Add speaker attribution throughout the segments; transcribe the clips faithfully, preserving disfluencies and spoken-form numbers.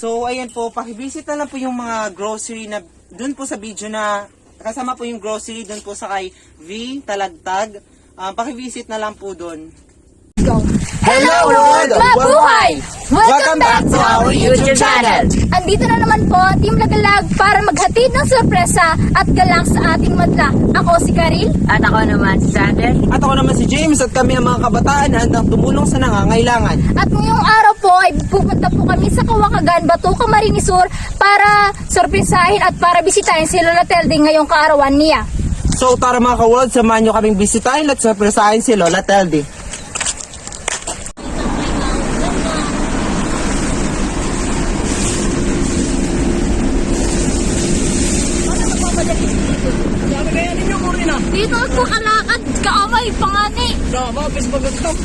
Speaker 1: So, ayan po, pakivisit na lang po yung mga grocery na dun po sa video na kasama po yung grocery dun po sa kay V, Talagtag. Uh, pakivisit na lang po dun.
Speaker 2: Hello world! Mabuhay! Welcome back to our YouTube channel!
Speaker 3: Andito na naman po, Team Lagalag, para maghatid ng sorpresa at galang sa ating madla. Ako si Karil.
Speaker 2: At ako naman si Sander.
Speaker 1: At ako naman si James at kami ang mga kabataan na handang tumulong sa nangangailangan.
Speaker 3: At ngayong araw po ay pupunta po kami sa Kawakagan, Batuca, Camarines Sur para sorpresahin at para bisitahin si Lola Telde ngayong kaarawan niya.
Speaker 1: So tara mga ka-world, samahan nyo kaming bisitahin at sorpresahin si Lola Telde.
Speaker 3: Dito ako kalakad, kaamay, pangani.
Speaker 1: Tama, bis magagtap.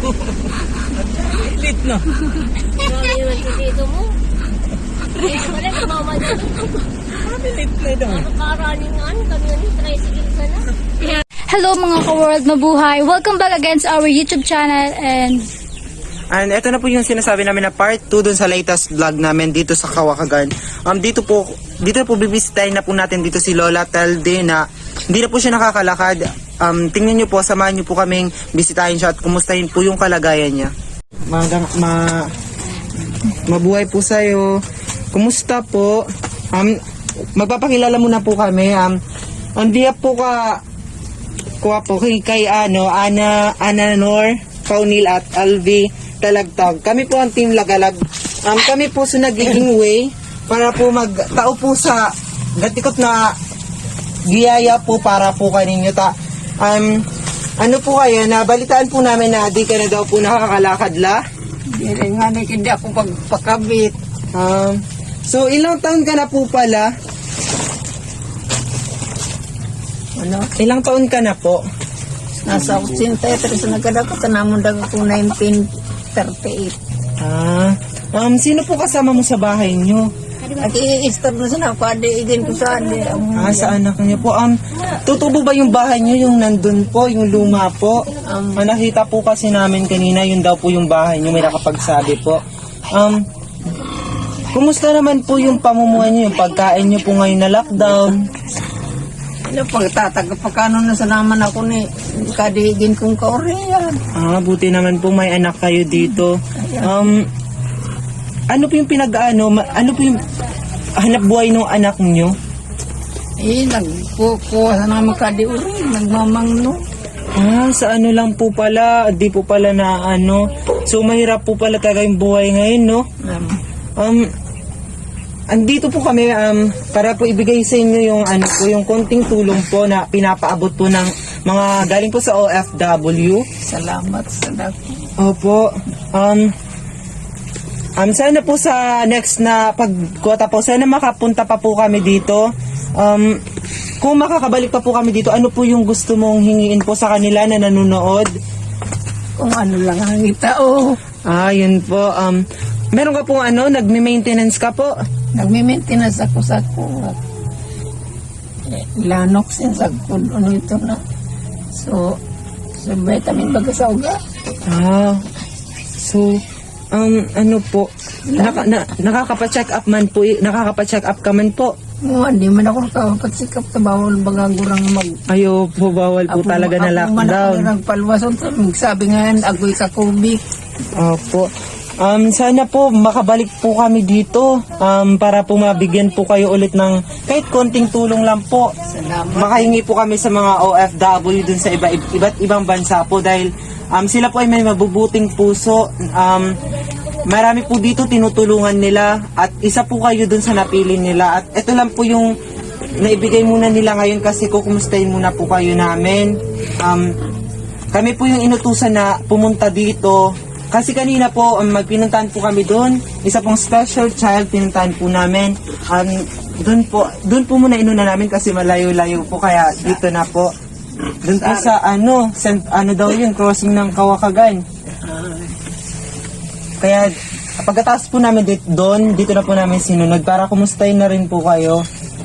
Speaker 1: Lit na.
Speaker 3: Grabe naman ko dito mo. Kaya pala, mama niya.
Speaker 1: Lit na daw.
Speaker 3: Nakaraningan, kami yun, tricycle ka na. Hello mga ka-world, mabuhay. Welcome back again sa our YouTube channel and...
Speaker 1: And ito na po yung sinasabi namin na part two dun sa latest vlog namin dito sa Kawakagan. Um, dito po, dito po bibisitahin na po natin dito si Lola Telde na hindi na po siya nakakalakad. Um, tingnan nyo po, samahan nyo po kaming bisitahin siya at kumustahin po yung kalagayan niya. Magang, ma, mabuhay po sa'yo. Kumusta po? Um, magpapakilala muna po kami. Um, hindi po ka, kuha po kay, kay ano, Ana, Ana Nor, Paunil at Alvi Talagtag. Kami po ang Team Lagalag. Um, kami po sa nagiging way para po magtao po sa gatikot na biyaya po para po kaninyo ta. Um, ano po kaya, nabalitaan po namin na di ka na daw po nakakalakad la?
Speaker 2: Hindi nga na hindi ako pagpakabit.
Speaker 1: Um, so ilang taon ka na po pala?
Speaker 2: Ano?
Speaker 1: Ilang taon ka na po?
Speaker 2: Nasa eighty-three sa nagkadako. Tanamon daw ako nineteen thirty-eight.
Speaker 1: Ah, um, sino po kasama mo sa bahay nyo?
Speaker 2: At i-start na sana ako. Adi, igin ko sa adi.
Speaker 1: Ah, sa anak niyo po. Um, tutubo ba yung bahay niyo, yung nandun po, yung luma po?
Speaker 2: Um,
Speaker 1: Ah, nakita po kasi namin kanina, yun daw po yung bahay niyo, may nakapagsabi po. Um, kumusta naman po yung pamumuhay niyo, yung pagkain niyo po ngayon na lockdown?
Speaker 2: ano, pagtataga pagkano na sa naman ako ni kadigin kong kaoriyan.
Speaker 1: Ah, buti naman po may anak kayo dito. Um, ano po yung pinag-ano, ma- ano po yung hanap buhay ng anak niyo?
Speaker 2: Eh, nagkukuha sa naman kadiuri. Nagmamangno.
Speaker 1: Ah, sa ano lang po pala, di po pala na ano. So, mahirap po pala talaga yung buhay ngayon, no?
Speaker 2: Um,
Speaker 1: Um, andito po kami um, para po ibigay sa inyo yung ano po, yung konting tulong po na pinapaabot po ng mga galing po sa O F W.
Speaker 2: salamat sa dako.
Speaker 1: Opo. Um, um, sana po sa next na pagkota po, sana makapunta pa po kami dito. Um, kung makakabalik pa po kami dito, ano po yung gusto mong hingiin po sa kanila na nanonood?
Speaker 2: Kung ano lang ang itao.
Speaker 1: Ah, yun po. Um, meron ka pong ano, nagme-maintenance ka po?
Speaker 2: Nagmi-maintenance ako sa kuwat. Eh, lanok sin sa kun ano ito na. So, so vitamin baga sa uga.
Speaker 1: Ah, so, um, ano po, naka, na, nakakapa-check up man po, i- nakakapa-check up ka man po.
Speaker 2: Mo hindi man ako nakapatsikap sa bawal baga gurang mag
Speaker 1: Ayo po, bawal po talaga na lockdown.
Speaker 2: Ako man nagpalwason sa sabi nga agoy ka kubik.
Speaker 1: Opo. Um, sana po makabalik po kami dito um, para po mabigyan po kayo ulit ng kahit konting tulong lang po.
Speaker 2: Salamat.
Speaker 1: Makahingi po kami sa mga O F W dun sa iba, iba't ibang bansa po dahil um, sila po ay may mabubuting puso. Um, marami po dito tinutulungan nila at isa po kayo dun sa napili nila. At ito lang po yung naibigay muna nila ngayon kasi kukumustahin muna po kayo namin. Um, kami po yung inutusan na pumunta dito. Kasi kanina po, um, magpinuntahan po kami doon. Isa pong special child pinuntahan po namin. Um, doon po, doon po muna inuna namin kasi malayo-layo po kaya dito na po. Doon po sa ano, sent, ano daw yun, crossing ng Kawakagan. Kaya pagkatapos po namin dito, doon, dito na po namin sinunod para kumustahin na rin po kayo.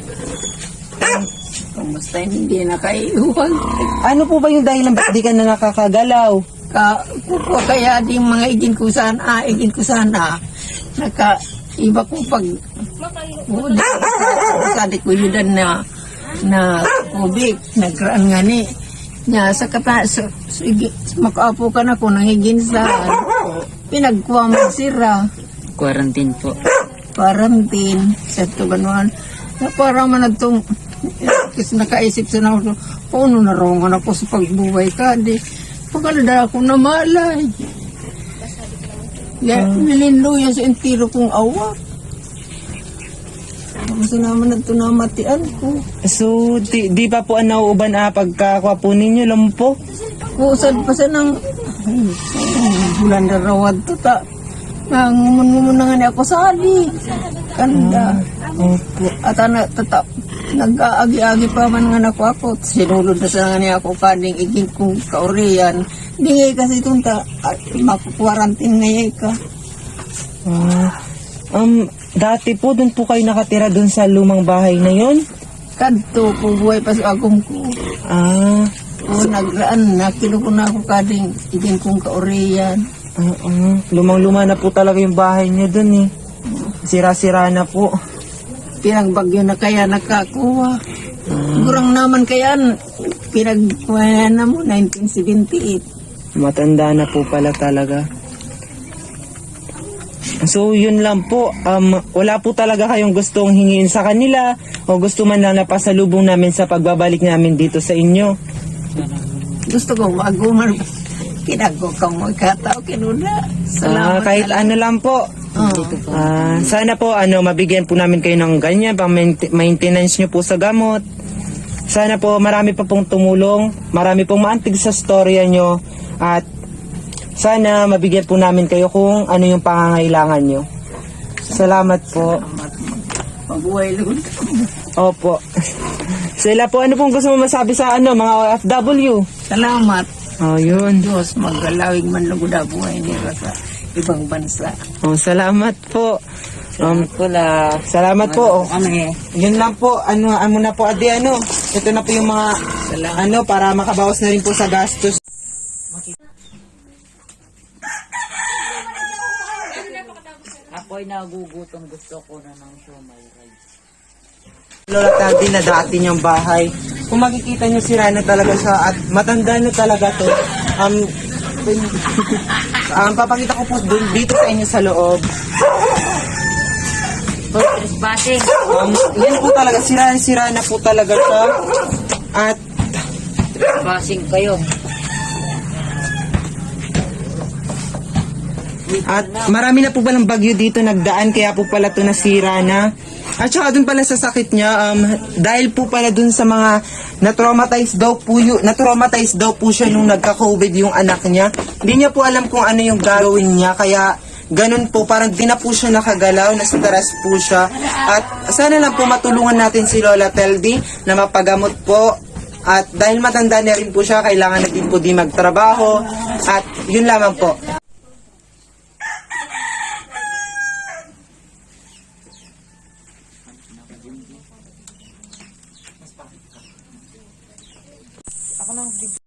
Speaker 2: Kumusta hindi na kaiuwag.
Speaker 1: Ano po ba yung dahilan ba't di ka na nakakagalaw?
Speaker 2: Ka, kuko kaya di mga igin ko sana, ah, igin ko sana, naka, iba ko pag oo, sa di ko yun na na kubik, nagraan nga ni. Nya, sa kata, so, sige, makaapo ka na ko, nangigin sa, pinagkuha mo sira.
Speaker 4: Quarantine po.
Speaker 2: Quarantine, sa tuganuan. Na para man itong, kasi nakaisip sa na ako, paano narongan ako sa pagbuhay ka, di, pagkalada ako na malay. Ya, nilindo yan sa entiro kong awa. Kasi naman ito namatian ko.
Speaker 1: So, di, di pa po ang nauuban ah, pagkakuha po ninyo, lumpo?
Speaker 2: Kusad pa sa nang, ay, bulan na rawad to ta. Nangumun-ngumun na nga niya ako sa ali. Kanda.
Speaker 1: Opo.
Speaker 2: At ana, tata, nag-aagi-agi pa man nga nako ako. Sinulod na sa nga niya ako kaning iging kong kauriyan. Hindi nga kasi itong ta, makukwarantin ngayon ka.
Speaker 1: Ah, um, dati po, doon po kayo nakatira doon sa lumang bahay na yon?
Speaker 2: Kadto po buhay pa sa agong ko.
Speaker 1: Ah,
Speaker 2: O nagraan, nakilo ko na ako kading iging kong kauriyan.
Speaker 1: oo. Lumang-luma na po talaga yung bahay niyo doon eh. Sira-sira na po.
Speaker 2: Pinagbagyo na kaya nakakuha. Gurang naman kaya pinagkuha na mo nineteen seventy-eight.
Speaker 1: Matanda na po pala talaga. So, yun lang po. Um, wala po talaga kayong gustong hingin sa kanila o gusto man lang na pasalubong namin sa pagbabalik namin dito sa inyo.
Speaker 2: Gusto ko maguman. Kinago kang magkatao kinuna.
Speaker 1: Ah,
Speaker 2: Salamat.
Speaker 1: kahit ano lang po.
Speaker 2: Oh.
Speaker 1: Ah, sana po ano mabigyan po namin kayo ng ganyan pang mainte- maintenance nyo po sa gamot. Sana po marami pa pong tumulong, marami pong maantig sa storya nyo at sana mabigyan po namin kayo kung ano yung pangangailangan nyo. Salamat po.
Speaker 2: Mabuhay lang.
Speaker 1: Opo. Sila po, ano pong gusto mo masabi sa ano mga O F W?
Speaker 2: Salamat.
Speaker 1: Oh, yun.
Speaker 2: Diyos, maggalawig man lang na buhay nila sa ibang bansa.
Speaker 1: Oh, salamat po. Um,
Speaker 4: Wala.
Speaker 1: salamat po.
Speaker 4: Kami.
Speaker 1: Yun lang po, ano, ano na po, adi, ano, ito na po yung mga, ano, para makabawas na rin po sa gastos.
Speaker 4: Ako'y nagugutom. Gusto ko na ng siomay rice.
Speaker 1: Lola Tati na dati niyang bahay. Kung makikita niyo sira na talaga siya at matanda na talaga to. Um, um, papakita ko po dun, dito sa inyo sa loob.
Speaker 4: Hoy, trespassing.
Speaker 1: Um, yan po talaga, sira-sira na po talaga siya. At
Speaker 4: Trespassing kayo.
Speaker 1: At marami na po palang bagyo dito nagdaan kaya po pala ito nasira na. At saka dun pala sa sakit niya, um, dahil po pala dun sa mga na-traumatize daw po yun, na-traumatize daw po siya nung nagka-COVID yung anak niya. Hindi niya po alam kung ano yung gagawin niya kaya ganun po, parang di na po siya nakagalaw, na-stress po siya. At sana lang po matulungan natin si Lola Teldi na mapagamot po. At dahil matanda na rin po siya, kailangan na din po di magtrabaho. At yun lamang po. Ako nang